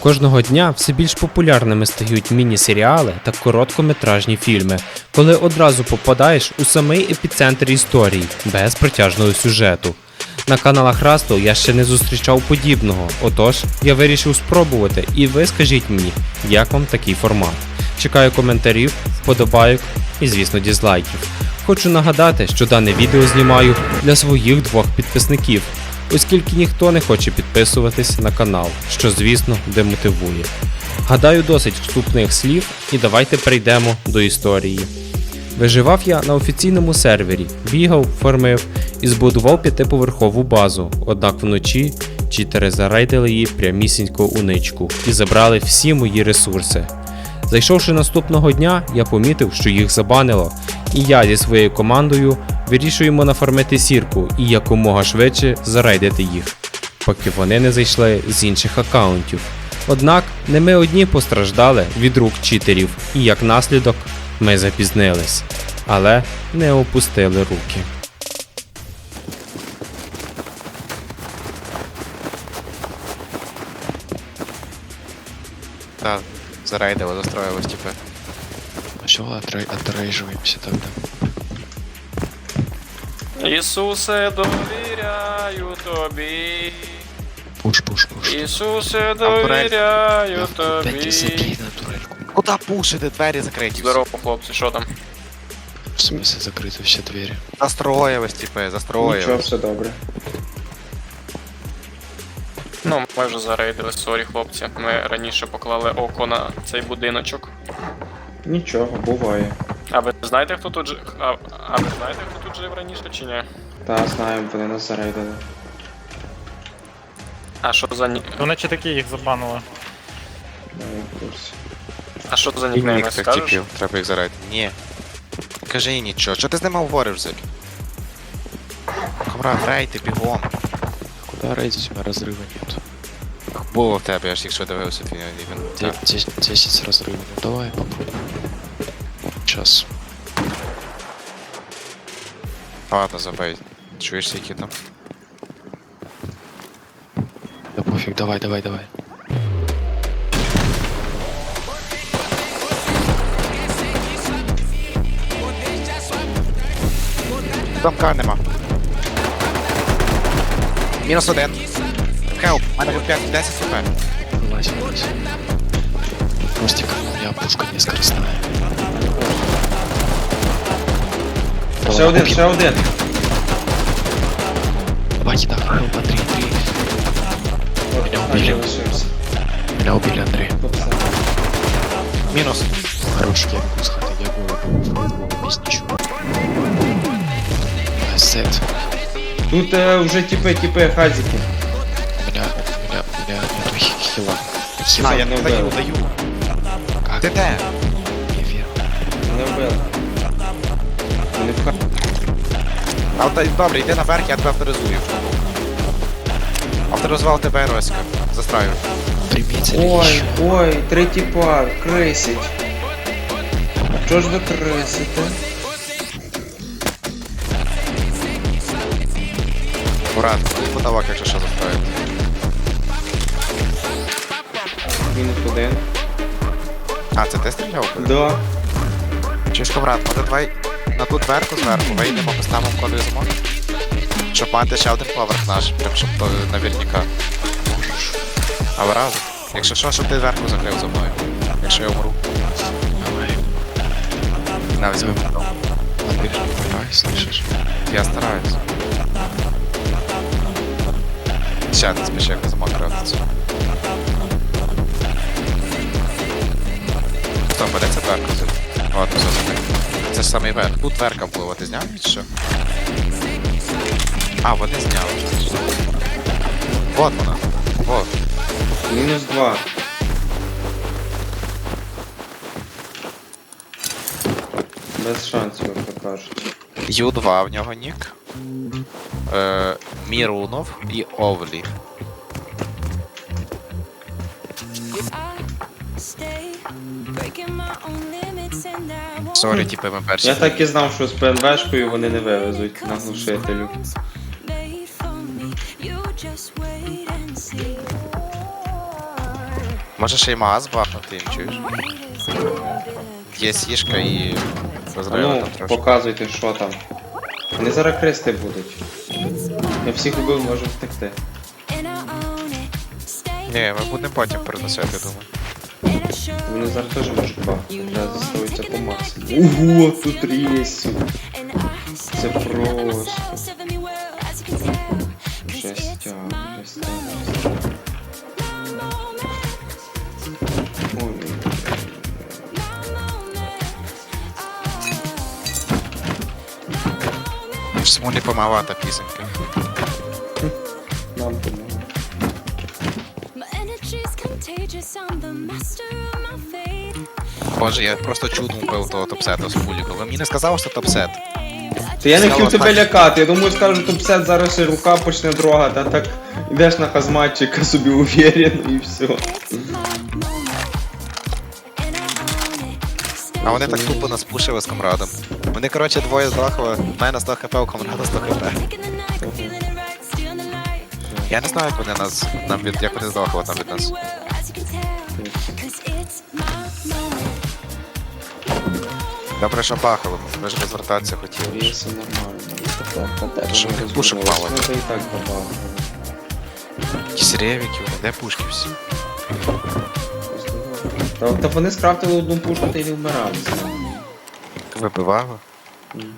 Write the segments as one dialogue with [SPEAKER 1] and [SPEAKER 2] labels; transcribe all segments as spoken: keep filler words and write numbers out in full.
[SPEAKER 1] Кожного дня все більш популярними стають міні-серіали та короткометражні фільми, коли одразу попадаєш у самий епіцентр історії, без протяжного сюжету. На каналах Растл я ще не зустрічав подібного, отож я вирішив спробувати, і ви скажіть мені, як вам такий формат. Чекаю коментарів, вподобайок і, звісно, дізлайків. Хочу нагадати, що дане відео знімаю для своїх двох підписників, оскільки ніхто не хоче підписуватись на канал, що, звісно, демотивує. Гадаю, досить вступних слів, і давайте перейдемо до історії. Виживав я на офіційному сервері, бігав, фармив і збудував п'ятиповерхову базу, однак вночі читери зарейдили її прямісінько у ничку і забрали всі мої ресурси. Зайшовши наступного дня, я помітив, що їх забанило, і я зі своєю командою вирішуємо нафармити сірку і якомога швидше зарейдити їх, поки вони не зайшли з інших аккаунтів. Однак не ми одні постраждали від рук читерів, і як наслідок ми запізнились, але не опустили руки.
[SPEAKER 2] Да, зарейдило, застроилось, типа.
[SPEAKER 3] Ну все, отрей, отрейживаемся тогда.
[SPEAKER 4] Ісусе, довіряю тобі.
[SPEAKER 3] Пуш, пуш, пуш.
[SPEAKER 4] Ісусе, довіряю тобі.
[SPEAKER 3] Опять забей на турельку.
[SPEAKER 2] Куда пушити? Двері закриті.
[SPEAKER 4] Здорово, хлопці, що там?
[SPEAKER 3] В смысле закрыты все двери?
[SPEAKER 2] Застроїлось, типа,
[SPEAKER 5] Нічого,
[SPEAKER 2] застроїлось.
[SPEAKER 5] все добре.
[SPEAKER 4] Ну, ми вже зарейдили, сорі, хлопці. Ми раніше поклали око на цей будиночок.
[SPEAKER 5] Нічого, буває.
[SPEAKER 4] А ви знаєте, хто тут жив? А, а ви знаєте, хто тут жив раніше чи ні?
[SPEAKER 5] Та, знаємо, вони нас зарейдили.
[SPEAKER 4] А що за ні...
[SPEAKER 6] То наче такі їх забанили.
[SPEAKER 5] Да, я в курсі.
[SPEAKER 4] А що за
[SPEAKER 2] І
[SPEAKER 4] нікнейми,
[SPEAKER 2] нік тих
[SPEAKER 4] скажеш?
[SPEAKER 2] типів, треба їх зарейдити. Ні. Кажи їй нічого, що ти з ними говориш, Зик? Комрад, рейти, бігом.
[SPEAKER 3] Куда рейдить? У меня разрыва нет.
[SPEAKER 2] Було в тебе, я ж якщо дивився твій він.
[SPEAKER 3] Де- десять, десять разрывов. Ну давай попробуем. Сейчас.
[SPEAKER 2] Ладно, забей. Чуєш, які там?
[SPEAKER 3] Да пофиг, давай, давай, давай.
[SPEAKER 2] Замка нема. Мінус один. Хелп, у мене п'ять, десять сп.
[SPEAKER 3] Вылазь, вылазь. Ростик, у меня пушка не скоростная.
[SPEAKER 5] Ще
[SPEAKER 3] Давай,
[SPEAKER 5] один,
[SPEAKER 3] окей.
[SPEAKER 5] ще один.
[SPEAKER 3] Давай, кидай, хелпа, три, три.
[SPEAKER 5] От,
[SPEAKER 3] Мене
[SPEAKER 5] хай
[SPEAKER 3] вбили.
[SPEAKER 5] залишився.
[SPEAKER 3] Меня убили, Андрей.
[SPEAKER 5] Попса.
[SPEAKER 2] Мінус.
[SPEAKER 3] Хорош, я могу сходить, я голову. Без ничего. Сет.
[SPEAKER 5] Тут е, вже тіпи, тіпи, хазики.
[SPEAKER 3] У меня, у меня, у меня нету хи- хила.
[SPEAKER 2] А, я
[SPEAKER 5] не
[SPEAKER 2] не даю,
[SPEAKER 5] вбили.
[SPEAKER 2] даю.
[SPEAKER 3] Как?
[SPEAKER 2] Ти де?
[SPEAKER 3] Не верю.
[SPEAKER 5] Не вбили. Вони в ха...
[SPEAKER 2] А от, добре, йди наверх, я тебе авторизую. Авторизував тебе, Роська. Застраю.
[SPEAKER 3] Приметили
[SPEAKER 5] Ой,
[SPEAKER 3] еще.
[SPEAKER 5] ой, три тіпа, крисять. Чого ж ви крисите?
[SPEAKER 2] Брат, потолок, якщо що застраю.
[SPEAKER 5] Мінус один.
[SPEAKER 2] А, це ти стріляв?
[SPEAKER 5] Да.
[SPEAKER 2] Чуєш, брат, може давай на ту дверку зверху вийдемо, поставимо кодовий замок? Щоб мати ще один поверх наш, прям щоб то наверняка. А ви разом? Якщо що, щоб ти дверку закрив за мною. Якщо я умру.
[SPEAKER 3] Давай.
[SPEAKER 2] На, візьми.
[SPEAKER 3] Андрей, давай, слышишь?
[SPEAKER 2] Я стараюсь. Ще не спіши, як замок крафтиться. Хто, буде ця дверка? От, все, закрив. Це ж самий верх. Тут дверка була, ти зняв чи що? А, вони зняли. Вот вона. Вот.
[SPEAKER 5] Мінус два. Без шансів, як то кажуть.
[SPEAKER 2] Ю два в нього нік. Е, Мірунов і Овлі. Сорі, типи, ми перші.
[SPEAKER 5] Я так і знав, що з ПНВшкою вони не вивезуть на глушителю.
[SPEAKER 2] Може ще й магаз бахнути їм, чуєш? Є сішка і
[SPEAKER 5] А
[SPEAKER 2] розрива
[SPEAKER 5] ну,
[SPEAKER 2] там трошки.
[SPEAKER 5] показуйте, що там. Вони зараз крести будуть. Я всіх убив, можу втекти.
[SPEAKER 2] Ні, ми будемо потім переносити, я думаю.
[SPEAKER 5] Вони зараз теж можуть бахнути. Треба застроїтися по максимуму. Ого, тут рейс. Це просто. Жестяк, жестяк. Ой.
[SPEAKER 2] В смолі помалата пісенька.
[SPEAKER 5] Нам помогли.
[SPEAKER 2] Боже, я просто чудом вбив того топсета з пуліка. Ви мені не сказали, що топсет?
[SPEAKER 5] Та я не
[SPEAKER 2] Сказала
[SPEAKER 5] хотів тебе
[SPEAKER 2] так.
[SPEAKER 5] лякати, я думаю, скажу, топ-сет зараз ще рука почне дрогати, а так йдеш на хазматчика собі уверен і все.
[SPEAKER 2] А вони так тупо нас пушили з комрадом. Вони, коротше, двоє здохли, в мене сто хп, у комрада сто хп. Я не знаю, як вони нас, нам від, як вони здохли там від нас. Добре, що бахало, ми ж розвертатися хотіли.
[SPEAKER 5] Віси нормально.
[SPEAKER 2] Що вони пушок мало?
[SPEAKER 5] Ну це і так добавили.
[SPEAKER 2] Якісь ревіки, вони, де пушки всі?
[SPEAKER 5] Та, та вони скрафтили одну пушку та й не вмирали.
[SPEAKER 2] Вибивало?
[SPEAKER 5] Мгм.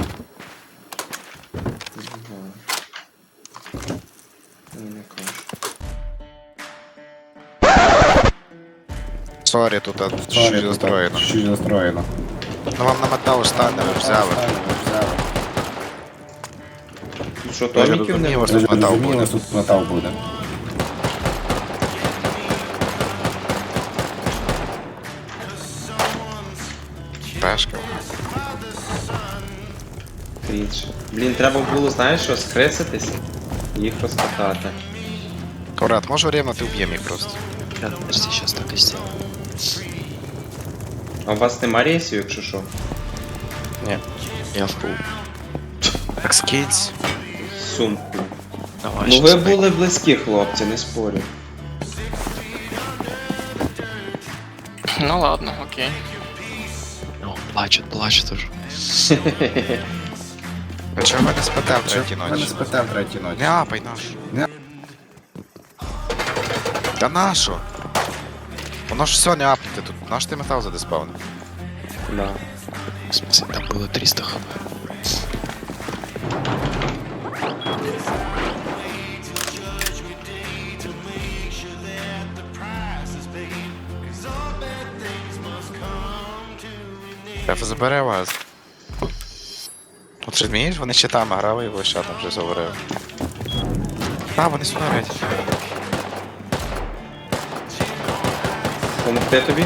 [SPEAKER 5] Не знаю. Ні, не кажу.
[SPEAKER 2] Сорі, тут а, щось застроєно.
[SPEAKER 6] Чуть застроєно.
[SPEAKER 2] Ну вам на метал стане, ви взяли.
[SPEAKER 5] Тут що,
[SPEAKER 2] Я ж
[SPEAKER 5] томіків не
[SPEAKER 2] розумію,
[SPEAKER 5] було?
[SPEAKER 2] ось тут метал
[SPEAKER 6] Розумію, у
[SPEAKER 2] буде.
[SPEAKER 6] нас тут метал буде.
[SPEAKER 2] Пешка.
[SPEAKER 5] Тріч. Блін, треба було, знаєш що, скреситись і їх розкатати.
[SPEAKER 2] Коврат, може время ти уб'єм їх просто.
[SPEAKER 3] Да, подожди, сейчас так и сделаю.
[SPEAKER 5] А у вас нема рейсів, якщо що?
[SPEAKER 3] Я в круг.
[SPEAKER 2] Так скинься.
[SPEAKER 5] Сумку.
[SPEAKER 3] Давай,
[SPEAKER 5] Ну
[SPEAKER 3] щас
[SPEAKER 5] ви
[SPEAKER 3] так.
[SPEAKER 5] були близькі, хлопці, не спорю.
[SPEAKER 4] Ну ладно, окей.
[SPEAKER 3] Ну, плачет, плачет уже.
[SPEAKER 2] А чого ви не спите в третій
[SPEAKER 6] Мене
[SPEAKER 2] ночі?
[SPEAKER 6] спитав третій ночі.
[SPEAKER 2] Не апай наш.
[SPEAKER 6] Не.
[SPEAKER 2] Та нащо? Воно ж все не апнути тут. Наш ти метал задиспавнив.
[SPEAKER 5] Да.
[SPEAKER 3] В смысле, там было триста хп.
[SPEAKER 2] Треба забере вас. От що змієш, вони щитами грали і ось ще там вже говорили. А, вони сюди грають.
[SPEAKER 5] Помогти тобі?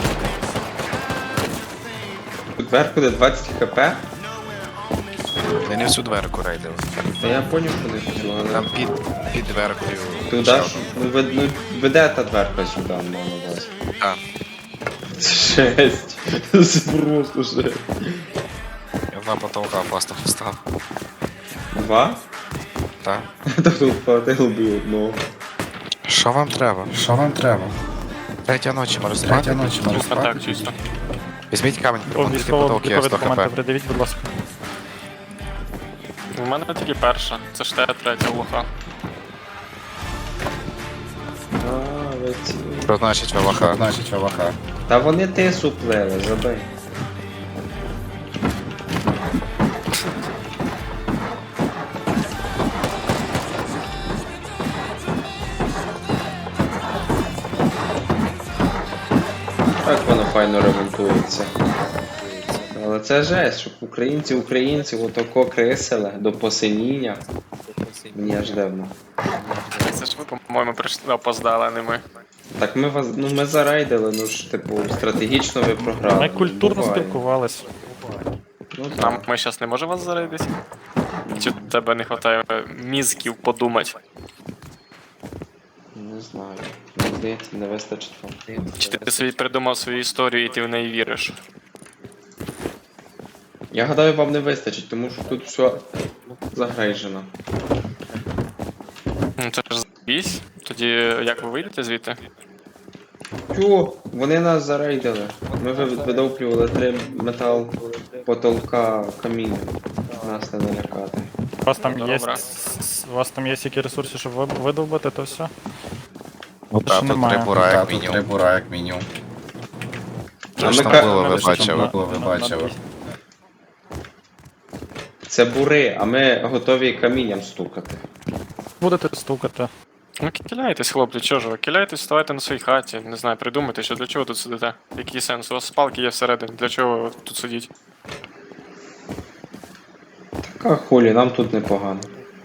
[SPEAKER 5] Тут верху де двадцять хп?
[SPEAKER 2] Я не всю дверку рейдили.
[SPEAKER 5] Та я поняв, що не хотів, але...
[SPEAKER 2] Там під, під дверкою.
[SPEAKER 5] Туди
[SPEAKER 2] ще
[SPEAKER 5] ж,
[SPEAKER 2] одну.
[SPEAKER 5] ну, вед- ну веде та дверка сюди, маю на увазі.
[SPEAKER 2] А,
[SPEAKER 5] Це жесть. Це просто жесть.
[SPEAKER 2] я два потолка просто встав.
[SPEAKER 5] Два?
[SPEAKER 2] Так.
[SPEAKER 5] Та тут хватило би одного.
[SPEAKER 2] Що вам треба?
[SPEAKER 6] Що вам треба?
[SPEAKER 2] Третя ночі, може
[SPEAKER 6] Третя
[SPEAKER 2] спати?
[SPEAKER 6] ночі, може
[SPEAKER 4] А
[SPEAKER 6] спати?
[SPEAKER 4] так, чисто.
[SPEAKER 2] Візьміть камінь,
[SPEAKER 7] О,
[SPEAKER 2] примонтуйте
[SPEAKER 7] військово
[SPEAKER 2] потолки, я
[SPEAKER 7] військові
[SPEAKER 2] сто
[SPEAKER 7] документи
[SPEAKER 2] хп.
[SPEAKER 7] придивіть, будь ласка.
[SPEAKER 4] У мене тільки перша, це ж те третя лоха.
[SPEAKER 5] А, ви ці...
[SPEAKER 2] Що значить валаха?
[SPEAKER 6] Значить, ВВХ.
[SPEAKER 5] Та вони тису плели, забий. Так воно файно ремонтується. Але це жесть, щоб українці українці отако крисили до посиніння. Мені аж дивно.
[SPEAKER 4] Це ж ви, по-моєму, прийшли опоздали, а не ми.
[SPEAKER 5] Так ми вас, ну ми зарейдили, ну ж типу стратегічно ви програли.
[SPEAKER 7] Ми культурно
[SPEAKER 5] Буває.
[SPEAKER 7] спілкувались.
[SPEAKER 5] Ну
[SPEAKER 4] Нам
[SPEAKER 5] так.
[SPEAKER 4] ми зараз не можемо вас зарядити? Чи в тебе не вистачає мізків подумати?
[SPEAKER 5] Не знаю. Мені здається, не вистачить вам.
[SPEAKER 4] Чи ти собі придумав свою історію і ти в неї віриш?
[SPEAKER 5] Я гадаю, вам не вистачить, тому що тут все загрейжено.
[SPEAKER 4] Ну це ж заїсь. Тоді як ви вийдете звідти?
[SPEAKER 5] Тю, вони нас зарейдили. Ми ви- видовплювали три метал потолка каміння. Нас не налякати.
[SPEAKER 7] У вас там
[SPEAKER 4] Добре.
[SPEAKER 7] є. У вас там є які ресурси, щоб ви- видовбити, то все?
[SPEAKER 2] Та,
[SPEAKER 7] Ще
[SPEAKER 2] тут
[SPEAKER 7] немає.
[SPEAKER 2] три бура,
[SPEAKER 6] Та,
[SPEAKER 2] як
[SPEAKER 6] тут три
[SPEAKER 2] мінімум.
[SPEAKER 6] бура, як мінімум.
[SPEAKER 2] Що ж
[SPEAKER 5] ми
[SPEAKER 2] там
[SPEAKER 5] ка-
[SPEAKER 2] було, ви
[SPEAKER 7] Мене ще там
[SPEAKER 2] бачили?
[SPEAKER 7] на-
[SPEAKER 6] Було, ви
[SPEAKER 7] на-
[SPEAKER 6] бачили.
[SPEAKER 7] на-
[SPEAKER 5] Це бури, а ми готові камінням стукати.
[SPEAKER 7] Будете стукати.
[SPEAKER 4] Ну киляйтесь, хлопці, чого ж ви? Киляйтесь, ставайте на своїй хаті. Не знаю, придумайте, що для чого ви тут сидите. Який сенс? У вас спалки є всередині, для чого ви тут сидіть?
[SPEAKER 5] Така хулі, нам тут непогано.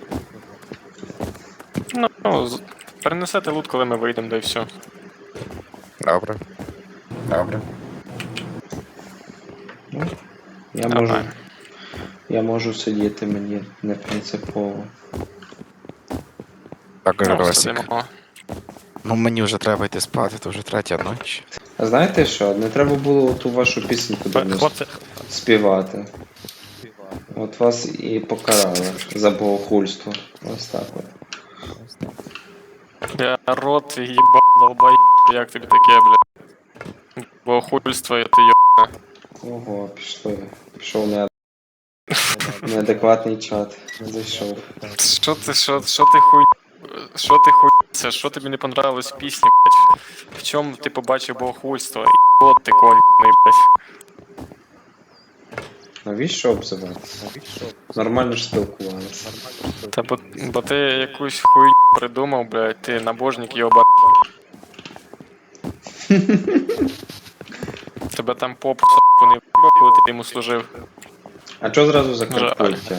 [SPEAKER 4] Ну, ну з- перенесете лут, коли ми вийдемо, да і все.
[SPEAKER 2] Добре.
[SPEAKER 6] Добре.
[SPEAKER 5] Я можу,
[SPEAKER 4] Нормально.
[SPEAKER 5] я можу сидіти, мені не принципово.
[SPEAKER 2] Так,
[SPEAKER 4] Ну,
[SPEAKER 2] Росік.
[SPEAKER 4] сидимо.
[SPEAKER 2] Ну мені вже треба йти спати, то вже третя ніч.
[SPEAKER 5] А знаєте що? Не треба було ту вашу пісеньку до нас
[SPEAKER 7] Хлопці,
[SPEAKER 5] співати. От вас і покарали за богохульство. Ось так от.
[SPEAKER 4] Я рот твій їба, долбай, як тобі таке, блядь. Бо хульство, я ти йо.
[SPEAKER 5] Ого, пішли. Пішов не... неадекватний чат. Зайшов.
[SPEAKER 4] Що ти, що, що ти хуй... Що ти хуйся? Що тобі не понравилось в пісні, блядь? В чому ти побачив богохульство? От ти кольний, блядь.
[SPEAKER 5] Навіщо обзивати? Нормально ж спілкувалися.
[SPEAKER 4] Та бо, бо ти якусь хуйню придумав, блядь, ти набожник йоба. Тебе там поп с**ку не в'їбав, коли ти йому служив.
[SPEAKER 5] А чого зразу за
[SPEAKER 4] Жаль.
[SPEAKER 5] Карпаття?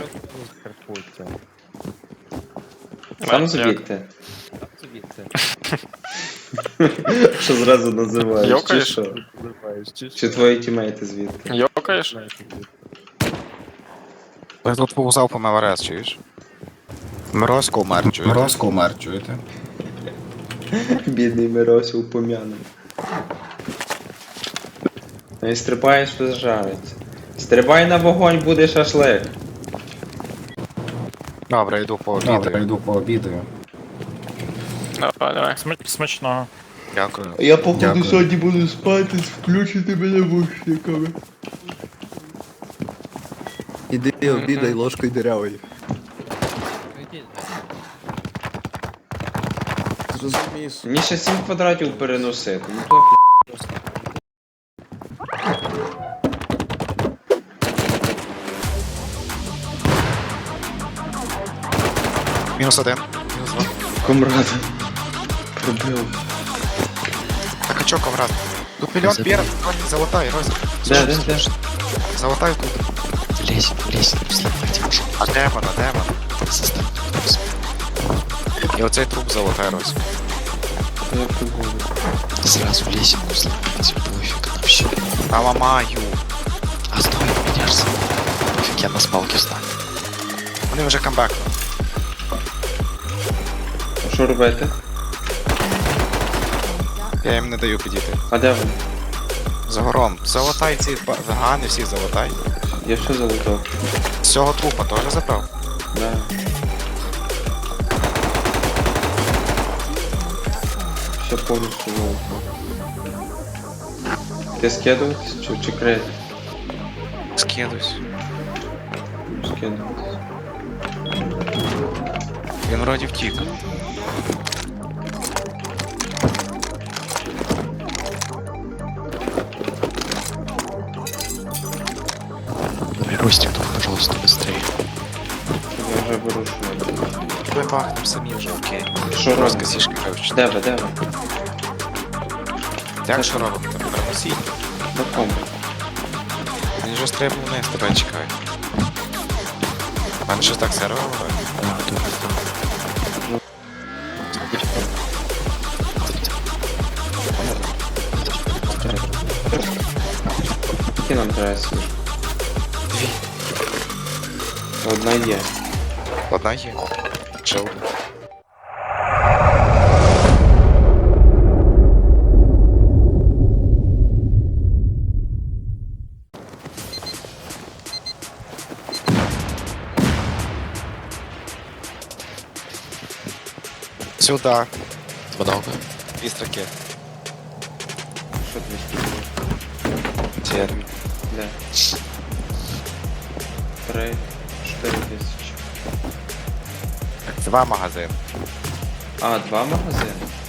[SPEAKER 4] А,
[SPEAKER 5] Сам
[SPEAKER 4] як?
[SPEAKER 5] звідти? Що зразу називаєш? Чи
[SPEAKER 4] Йокаєш?
[SPEAKER 5] що? Чи твої тімейти звідти?
[SPEAKER 4] Йокаєш?
[SPEAKER 2] Я тут повзав по МВРС, чуєш? Морозко умер, чуєш?
[SPEAKER 6] Морозко умер, чуєте?
[SPEAKER 5] Бідний Миросі упом'яний. Ну і стрибаєш, жариться. Стрибай на вогонь, буде шашлик.
[SPEAKER 2] Добре, йду по
[SPEAKER 6] Добре,
[SPEAKER 2] обіду.
[SPEAKER 6] йду пообідаю.
[SPEAKER 4] Давай, давай.
[SPEAKER 7] смач- смачного.
[SPEAKER 2] Дякую.
[SPEAKER 5] Я походу
[SPEAKER 6] Дякую.
[SPEAKER 5] сьогодні буду спати, включити мене вушниками.
[SPEAKER 8] Іди обідай ложкою дирявою. Зрозумієш.
[SPEAKER 5] Мені ще сім квадратів переносити. Ну то
[SPEAKER 2] Мінус один. Мінус два.
[SPEAKER 5] комрад. Пробив.
[SPEAKER 2] Так а чо, комрад? Тут мільйон пір, золотай, Розі.
[SPEAKER 5] Де, де, де?
[SPEAKER 2] Золотай тут.
[SPEAKER 3] Лезь, лезь, сломайте вашу.
[SPEAKER 2] А демона, демона.
[SPEAKER 3] Заставь.
[SPEAKER 2] І оцей труп золотай, Розі.
[SPEAKER 5] Як тут буде?
[SPEAKER 3] Сразу лезь, сломайте. Пофиг вообще.
[SPEAKER 2] Та ламаю.
[SPEAKER 3] А стой, поменяешься. Пофиг, я на спалке встану.
[SPEAKER 2] Вони вже камбек.
[SPEAKER 5] А що робити?
[SPEAKER 2] Я їм не даю підійти.
[SPEAKER 5] А де вони?
[SPEAKER 2] За гором. Золотай ці ба- вегани, всіх золотай.
[SPEAKER 5] Я що залутав?
[SPEAKER 2] З цього трупа теж забрав.
[SPEAKER 5] Да. Все повністю залутав. Ти скидуватись чи, чи крити?
[SPEAKER 2] Скидусь.
[SPEAKER 5] Скидуватись.
[SPEAKER 2] Він вроді втік.
[SPEAKER 3] Ростик, тут, пожалуйста, быстрее.
[SPEAKER 5] Я вже беру що.
[SPEAKER 2] Ми бахнем самі вже, окей.
[SPEAKER 5] Що
[SPEAKER 2] Розка
[SPEAKER 5] робимо?
[SPEAKER 2] сішки кажуть.
[SPEAKER 5] Де ви, де ви?
[SPEAKER 2] Як що робимо? Переносіть.
[SPEAKER 5] На кому?
[SPEAKER 2] Він вже стрибнув вниз, тебе чекає. А мене щось так сервер робить?
[SPEAKER 3] Да, да, да.
[SPEAKER 5] Які нам треба сіж?
[SPEAKER 2] Дві.
[SPEAKER 5] Одна є.
[SPEAKER 2] Одна є. Чил. Сюда.
[SPEAKER 3] Много.
[SPEAKER 2] Дві строки.
[SPEAKER 5] Що тобі скільки?
[SPEAKER 2] Термін.
[SPEAKER 5] Де? Три, чотири тисячі.
[SPEAKER 2] Два магазини.
[SPEAKER 5] А, два магазини?